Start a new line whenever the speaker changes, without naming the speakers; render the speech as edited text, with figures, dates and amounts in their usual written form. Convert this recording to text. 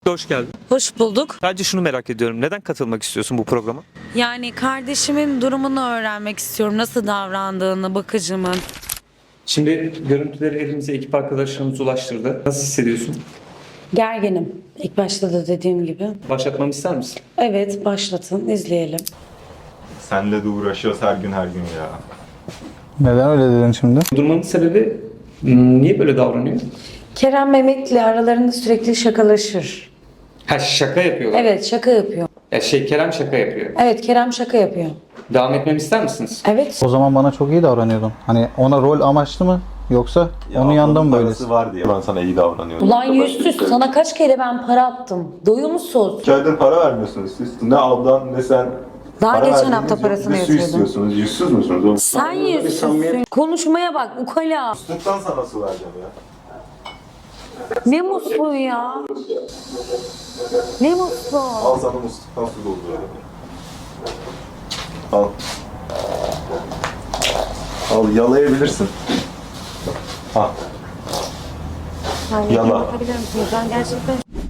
Hoş geldin.
Hoş bulduk.
Sadece şunu merak ediyorum. Neden katılmak istiyorsun bu programa?
Yani kardeşimin durumunu öğrenmek istiyorum. Nasıl davrandığını, bakıcımın.
Şimdi görüntüleri elimize ekip arkadaşlarımız ulaştırdı. Nasıl hissediyorsun?
Gerginim. İlk başta da dediğim gibi.
Başlatmamı ister misin?
Evet, başlatın, izleyelim.
Senle de uğraşıyoruz her gün ya.
Neden öyle dedin şimdi?
Durmanın sebebi niye böyle davranıyor?
Kerem Mehmet'le aralarında sürekli şakalaşır.
Ha, şaka yapıyorlar.
Evet, şaka yapıyor.
Ya Kerem şaka yapıyor.
Evet, Kerem şaka yapıyor.
Devam etmemi ister misiniz?
Evet.
O zaman bana çok iyi davranıyordun. Hani ona rol amaçlı mı yoksa onun yanında mı böylesin?
var diye ben sana iyi davranıyorum.
Ulan yüzsüz, sana kaç kere ben para attım. Doyumsuz.
2 aydır para vermiyorsunuz siz. Ne ablan ne sen.
Daha
Para
geçen
verdiğiniz
hafta
yok.
parasını
Bir su
yatırdım.
istiyorsunuz. Yüzsüz müsünüz oğlum?
Sen yüzsüzsün. Konuşmaya bak, ukala.
Musluktan sana su vereceğim ya.
Ne musluğu ya? Ne musluğu?
Al sana musluktan su dolduruyorum. Al. Al yalayabilirsin. Al.
Yani
Yala.
bakabilir misiniz? Ben gerçekten